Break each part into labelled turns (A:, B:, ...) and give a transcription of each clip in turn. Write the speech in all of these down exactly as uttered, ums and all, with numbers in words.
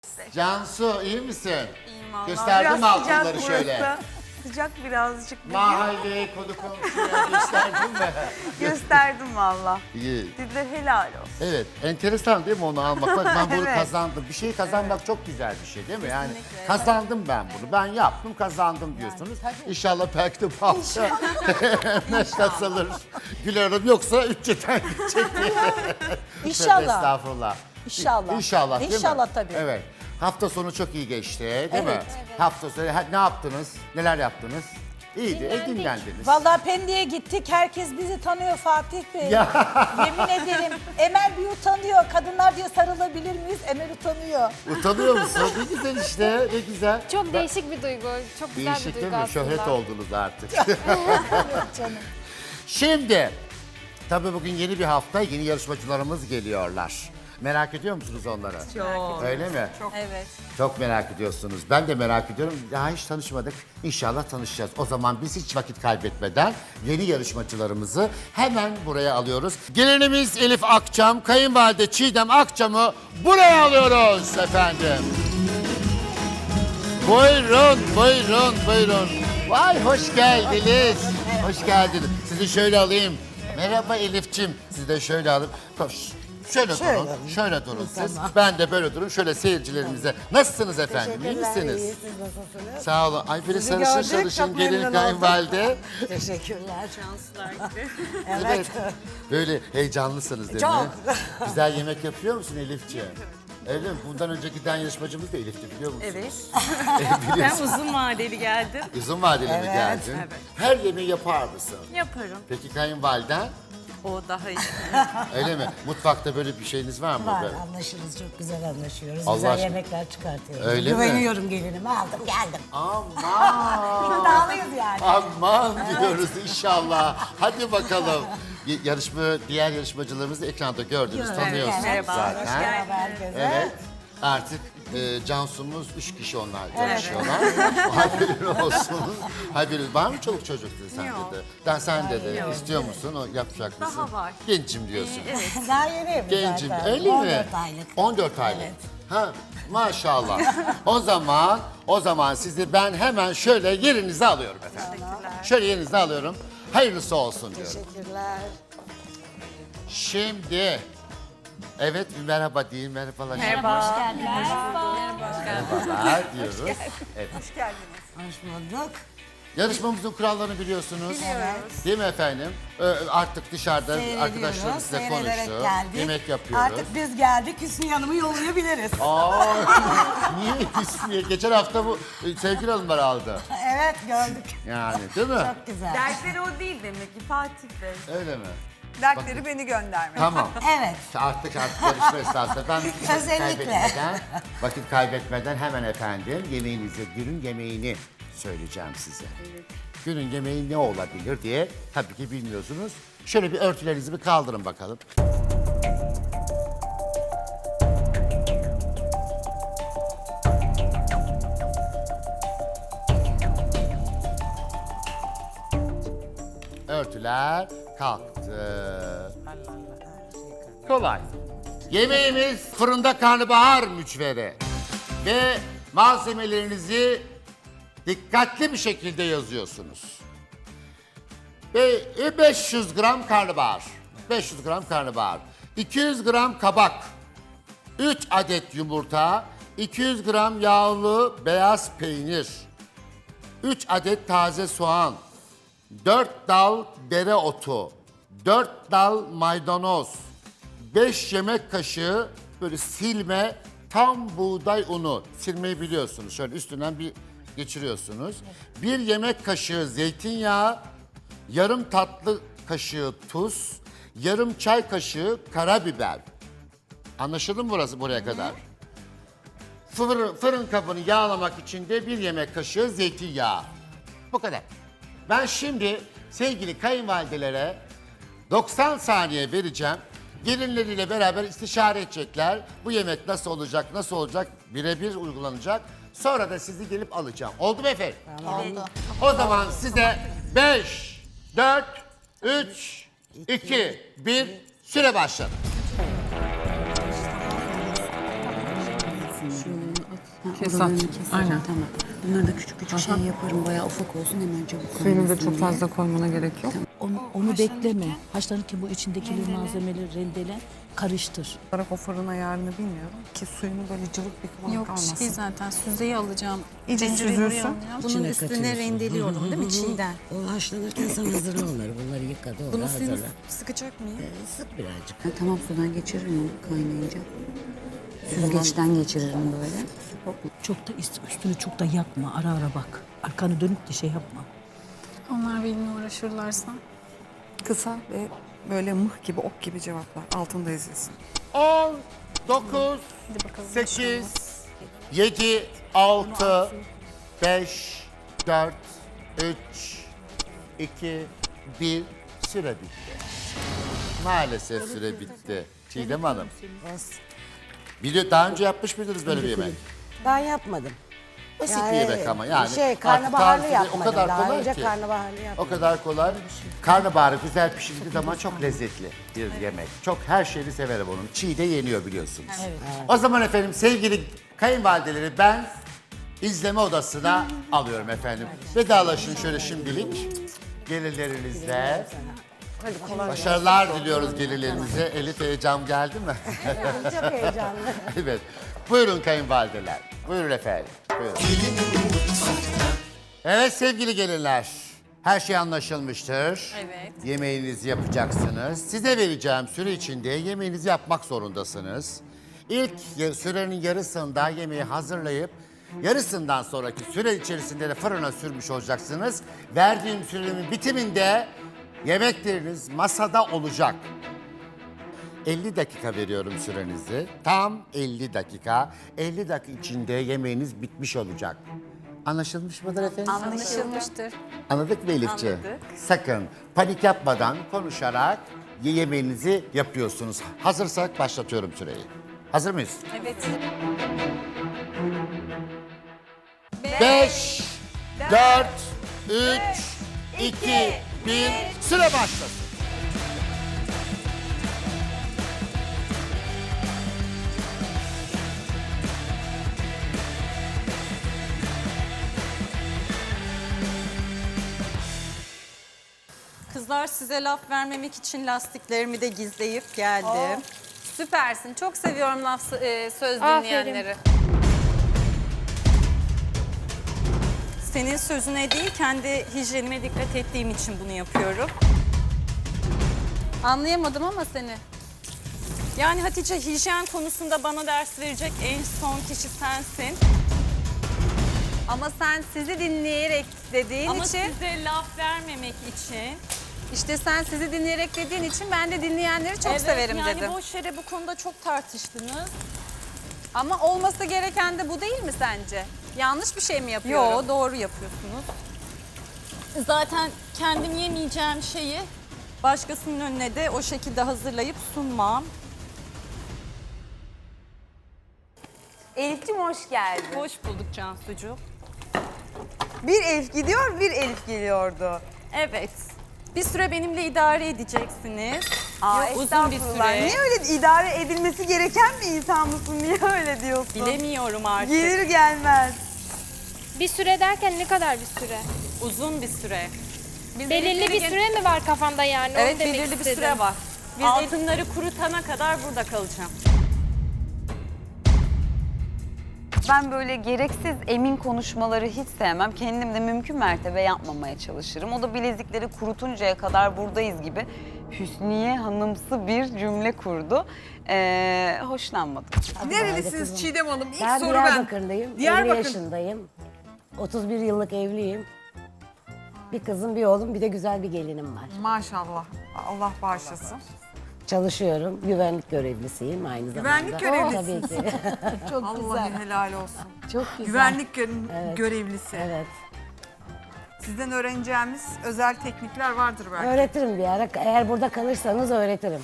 A: Cansu iyi misin?
B: İyiyim valla.
A: Gösterdim
B: Biraz
A: altınları
B: sıcak
A: şöyle.
B: burası. Sıcak birazcık. bugün.
A: Mahalle, konu komşuya gösterdin mi?
B: Gösterdim valla.
A: İyi.
B: Dediler helal olsun.
A: Evet, enteresan değil mi onu almak? Bak ben bunu
B: Evet.
A: kazandım. Bir şeyi kazanmak çok güzel bir şey değil mi? Yani
B: Kesinlikle.
A: kazandım ben bunu. Ben yaptım, kazandım diyorsunuz. İnşallah belki de bu hafta ne kazanır. Gülerim yoksa üççeden gidecek diye.
C: İnşallah.
A: Estağfurullah.
C: İnşallah.
A: İnşallah değil mi?
C: İnşallah tabii.
A: Evet. Hafta sonu çok iyi geçti değil mi?
C: Evet.
A: Hafta sonu ha, ne yaptınız? Neler yaptınız? İyiydi, e, dinlendiniz.
C: Vallahi Pendik'e gittik. Herkes bizi tanıyor Fatih Bey.
A: Ya.
C: Yemin ederim. Emel bir utanıyor. Kadınlar diye sarılabilir miyiz? Emel utanıyor.
A: Utanıyor musun? Ne güzel işte, ne güzel.
D: Çok
A: Ben-
D: değişik bir duygu. Çok güzel
A: Değişik
D: bir
A: değil
D: duygu
A: mi?
D: aslında.
A: Şöhret oldunuz artık.
C: Canım.
A: Şimdi, tabii bugün yeni bir hafta, yeni yarışmacılarımız geliyorlar. Merak ediyor musunuz onları?
B: Çok.
A: Öyle mi?
C: Evet.
A: Çok merak ediyorsunuz. Ben de merak ediyorum. Daha hiç tanışmadık. İnşallah tanışacağız. O zaman biz hiç vakit kaybetmeden yeni yarışmacılarımızı hemen buraya alıyoruz. Gelinimiz Elif Akçam, kayınvalide Çiğdem Akçam'ı buraya alıyoruz efendim. Buyurun, buyurun, buyurun. Vay hoş geldiniz. Hoş geldiniz. Sizi şöyle alayım. Merhaba Elif'ciğim. Sizi de şöyle alayım. Koş. Şöyle, durun, şöyle durun siz. Ben de böyle durun. Şöyle seyircilerimize. Nasılsınız efendim? İyi misiniz?
E: İyi, siz nasılsınız?
A: Sağ olun. Ay böyle
E: Sizi
A: sarışın
E: gördük,
A: sarışın
E: çok
A: gelin
E: memnun
A: kayınvalide.
E: Teşekkürler.
B: Şanslar gibi.
E: Evet.
A: Böyle heyecanlısınız değil mi?
E: Çok.
A: Güzel yemek yapıyor musun Elif'ciğim? Öyle mi? Bundan önce giden yarışmacımız da Elif'ti biliyor musunuz?
B: Evet.
A: Evet.
B: Ben uzun vadeli geldim.
A: Uzun vadeli mi
E: Evet.
A: geldin?
B: Evet.
A: Her yemeği yapar mısın?
B: Yaparım.
A: Peki kayınvaliden?
B: O daha iyi.
A: Öyle mi? Mutfakta böyle bir şeyiniz var mı?
E: Var,
A: Böyle?
E: anlaşırız, çok güzel anlaşıyoruz.
A: Allah
E: güzel
A: aşkına.
E: yemekler çıkartıyoruz.
A: Öyle mi?
E: Güveniyorum gelinime, aldım geldim.
A: Aman!
E: İddialıyız yani.
A: Aman diyoruz inşallah. Hadi bakalım. Y- Yarışma, diğer yarışmacılarımızı ekranda gördünüz,
E: Evet,
A: tanıyorsunuz
B: merhaba,
A: zaten.
B: hoş geldiniz.
E: Merhaba herkese.
A: Evet. Artık e, Cansu'muz üç kişi onlar çalışıyorlar. Haberin olsun. Haberin var mı çoluk çocuk dedi sen
B: Yok.
A: dedi. Ben sen dedi.
B: Yok.
A: İstiyor musun? O yapacak mısın?
B: Daha var.
A: Gencim diyorsun.
B: Evet.
E: Daha yeniyim
A: Gencim.
E: zaten.
A: Öyle mi?
E: on dört aylık.
A: on dört aylık.
E: Evet.
A: Ha maşallah. o zaman o zaman sizi ben hemen şöyle yerinize alıyorum efendim.
B: Teşekkürler.
A: Şöyle yerinize alıyorum. Hayırlısı olsun diyorum.
E: Teşekkürler.
A: Şimdi evet bir merhaba deyin merhabalar.
B: Merhaba.
A: Merhabalar diyoruz. Evet.
E: Hoş bulduk.
A: Yarışmamızın kurallarını biliyorsunuz.
E: Evet.
A: Değil mi efendim? Ee, artık dışarıda arkadaşlarımız
E: Seyrediyoruz,
A: size
E: seyrederek
A: konuştu.
E: geldik.
A: Yemek yapıyoruz.
E: Artık biz geldik, Hüsnü Hanım'ı yollayabiliriz.
A: Aa, niye ismi? Geçen hafta bu e, sevgili hanımlar aldı.
E: Evet, gördük.
A: Yani değil mi?
E: Çok güzel.
B: Dertleri o değil demek ki Fatih Bey.
A: Öyle mi?
B: Dertleri beni göndermek.
A: Tamam.
E: Evet.
A: Artık artık yarışma esnasında ben vakit
E: Özellikle.
A: kaybetmeden, vakit kaybetmeden hemen efendim yemeğinizi, günün yemeğini söyleyeceğim size. Günün yemeği ne olabilir diye tabii ki bilmiyorsunuz. Şöyle bir örtülerinizi bir kaldırın bakalım. Örtüler kalktı. Kolay. Yemeğimiz fırında karnabahar mücveri. Ve malzemelerinizi dikkatli bir şekilde yazıyorsunuz. Ve beş yüz gram karnabahar. beş yüz gram karnabahar. iki yüz gram kabak. üç adet yumurta. iki yüz gram yağlı beyaz peynir. üç adet taze soğan. dört dal dereotu. dört dal maydanoz. beş yemek kaşığı böyle silme tam buğday unu. Silmeyi biliyorsunuz. Şöyle üstünden bir geçiriyorsunuz. bir yemek kaşığı zeytinyağı, yarım tatlı kaşığı tuz, yarım çay kaşığı karabiber. Anlaşıldı mı burası buraya kadar? Fırın, fırın kabını yağlamak için de bir yemek kaşığı zeytinyağı. Bu kadar. Ben şimdi sevgili kayınvalidelere doksan saniye vereceğim. Gelinleriyle beraber istişare edecekler. Bu yemek nasıl olacak, nasıl olacak birebir uygulanacak. Sonra da sizi gelip alacağım. Oldu mu efendim?
E: Oldu.
A: O zaman size beş, dört, üç, iki, bir süre başladı.
D: Kesat. Aynen.
F: Tamam. Bunları da küçük küçük şey yaparım. Bayağı ufak olsun hemen çabuk
D: Suyunu da
F: kaynasın
D: çok
F: diye.
D: fazla koymana gerek yok.
C: Onu, onu bekleme. Haşlanırken bu içindeki malzemeleri rendele, karıştır.
D: Olarak o fırın ayarını bilmiyorum ki suyunu böyle cıvık bir kıvam
G: Yok
D: kalmasın.
G: şey zaten süzeyi alacağım.
D: İyice
G: Zinciri
D: süzülsün.
G: alacağım. Bunun
F: İçine
G: üstüne
F: katıyorsun.
G: rendeliyorum değil mi çiğden?
F: O haşlanırken sen hazırla onları. Bunları yıka doğra
G: Bunu suyunu
F: hazırla.
G: sıkacak mıyım?
F: Ee, sık birazcık. Ha, tamam sudan geçiririm onu kaynayınca. Süzgeçten geçiririm böyle.
C: Çok da üst- üstünü çok da yakma. Ara ara bak. Arkanı dönüp de şey yapma.
G: Onlar benimle uğraşırlarsa.
D: Kısa ve böyle mıh gibi, ok gibi cevaplar. Altında ezilsin.
A: on, dokuz,
G: Hadi bakalım.
A: sekiz, yedi, altı, beş, dört, üç, iki, bir. Süre bitti. Maalesef süre bitti. Çiğdem Hanım. Biliyor, daha önce yapmış mıydınız böyle bir yemek?
E: Ben yapmadım.
A: Basit
E: Yani
A: bir yemek ama yani.
E: Şey
A: artık
E: karnabaharlı
A: tarifi
E: yapmadım.
A: O kadar
E: Daha
A: kolay
E: önce
A: ki.
E: karnabaharlı
A: O
E: yapmadım.
A: kadar kolay. Karnabaharı güzel pişirdiği zaman çok lezzetli bir yemek. Çok her şeyini severim onun. Çiğ de yeniyor biliyorsunuz. O zaman efendim sevgili kayınvalideleri ben izleme odasına alıyorum efendim. Vedalaşın şöyle şimdilik gelirlerinizle. Başarılar diliyoruz gelirlerinize. Elif heyecan geldi mi?
E: Çok heyecanlı.
A: Evet. Buyurun kayınvalideler. Buyurun efendim. Buyurun. Evet sevgili gelinler. Her şey anlaşılmıştır.
B: Evet.
A: Yemeğinizi yapacaksınız. Size vereceğim süre içinde yemeğinizi yapmak zorundasınız. İlk ya- sürenin yarısında yemeği hazırlayıp yarısından sonraki süre içerisinde de fırına sürmüş olacaksınız. Verdiğim sürenin bitiminde yemekleriniz masada olacak. elli dakika veriyorum sürenizi. Tam elli dakika. elli dakika içinde yemeğiniz bitmiş olacak. Anlaşılmış mıdır efendim?
B: Anlaşılmıştır.
A: Anladık mı Elifciğim?
B: Anladık.
A: Sakın panik yapmadan konuşarak ye- yemeğinizi yapıyorsunuz. Hazırsak başlatıyorum süreyi. Hazır mıyız?
B: Evet.
A: beş, dört, üç, iki, bir, süre başlasın.
B: Kızlar size laf vermemek için lastiklerimi de gizleyip geldim.
H: Oh, Süpersin. Çok seviyorum laf e, söz
G: Aferin.
H: dinleyenleri.
B: Senin sözüne değil kendi hijyenime dikkat ettiğim için bunu yapıyorum.
H: Anlayamadım ama seni.
B: Yani Hatice hijyen konusunda bana ders verecek en son kişi sensin.
H: Ama sen sizi dinleyerek dediğin
B: Ama
H: için...
B: size laf vermemek için.
H: İşte sen sizi dinleyerek dediğin için ben de dinleyenleri çok
B: Evet,
H: severim
B: yani
H: dedim.
B: boş yere bu konuda çok tartıştınız.
H: Ama olması gereken de bu değil mi sence? Yanlış bir şey mi yapıyorum?
B: Yo doğru yapıyorsunuz. Zaten kendim yemeyeceğim şeyi başkasının önüne de o şekilde hazırlayıp sunmam.
H: Elif'cim hoş geldin.
B: Hoş bulduk Cansucuğum.
H: Bir Elif gidiyor, bir Elif geliyordu.
B: Evet. Bir süre benimle idare edeceksiniz.
H: Aa,
B: Yok, uzun bir
H: estağfurullah.
B: süre.
H: Niye öyle idare edilmesi gereken bir insan mısın? Niye öyle diyorsun?
B: Bilemiyorum artık.
H: Gelir gelmez.
I: Bir süre derken ne kadar bir süre?
B: Uzun bir süre.
H: Biz
I: Belirli
H: Elif'leri
I: bir
H: gel-
I: süre mi var kafanda yani?
H: Evet
I: Onu demek
H: belirli bir
I: istedim.
H: süre var. Biz
B: Altınları kurutana kadar burada kalacağım.
J: Ben böyle gereksiz emin konuşmaları hiç sevmem. Kendim de mümkün mertebe yapmamaya çalışırım. O da bilezikleri kurutuncaya kadar buradayız gibi Hüsniye Hanımsı bir cümle kurdu. Ee, hoşlanmadım.
B: Nerelisiniz Çiğdem Hanım? İlk
E: Ben
B: soru ben.
E: Diyarbakırlıyım.
B: Diyarbakır.
E: elli yaşındayım. otuz bir yıllık evliyim. Bir kızım, bir oğlum, bir de güzel bir gelinim var.
D: Maşallah. Allah bağışlasın.
E: Çalışıyorum. Güvenlik görevlisiyim aynı zamanda.
D: Güvenlik görevlisi.
E: Tabii ki. Çok
D: Allah'a
E: güzel.
D: helal olsun.
E: Çok güzel.
D: Güvenlik gö-
E: Evet.
D: görevlisi.
E: Evet.
D: Sizden öğreneceğimiz özel teknikler vardır belki.
E: Öğretirim bir ara. Eğer burada kalırsanız öğretirim.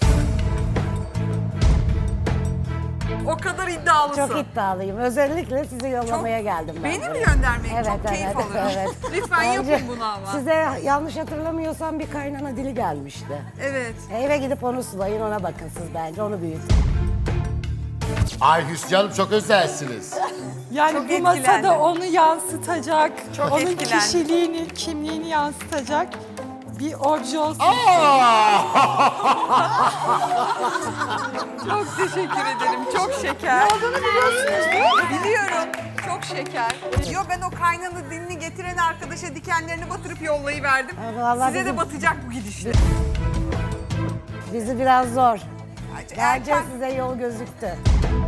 D: O kadar iddialısın.
E: Çok iddialıyım. Özellikle sizi yollamaya geldim ben.
D: Beni mi
E: buraya.
D: göndermek?
E: Evet,
D: Çok keyif
E: evet,
D: alıyorum.
E: evet.
D: Lütfen
E: Bence
D: yapın bunu ama.
E: Size yanlış hatırlamıyorsam bir kaynana dili gelmişti.
D: Evet.
E: Eve gidip onu sulayın, ona bakın siz bence, onu büyütün.
A: Ay Hüsnü Hanım çok özelsiniz.
C: Yani
H: Çok
C: bu
H: etkilendim.
C: masada onu yansıtacak,
H: Çok
C: onun
H: etkilendim.
C: kişiliğini, kimliğini yansıtacak bir obje olsun.
A: Aa!
H: Çok teşekkür ederim. Çok şeker. Ne olduğunu biliyorsunuz değil mi? Biliyorum. Çok şeker. Yo ben o kaynanı dilini getiren arkadaşa dikenlerini batırıp yollayıverdim.
E: Ha, vallahi
H: Size de
E: bizim-
H: batacak bu gidişle.
E: Bizi biraz zor.
H: Erken
E: Bence size yol gözüktü.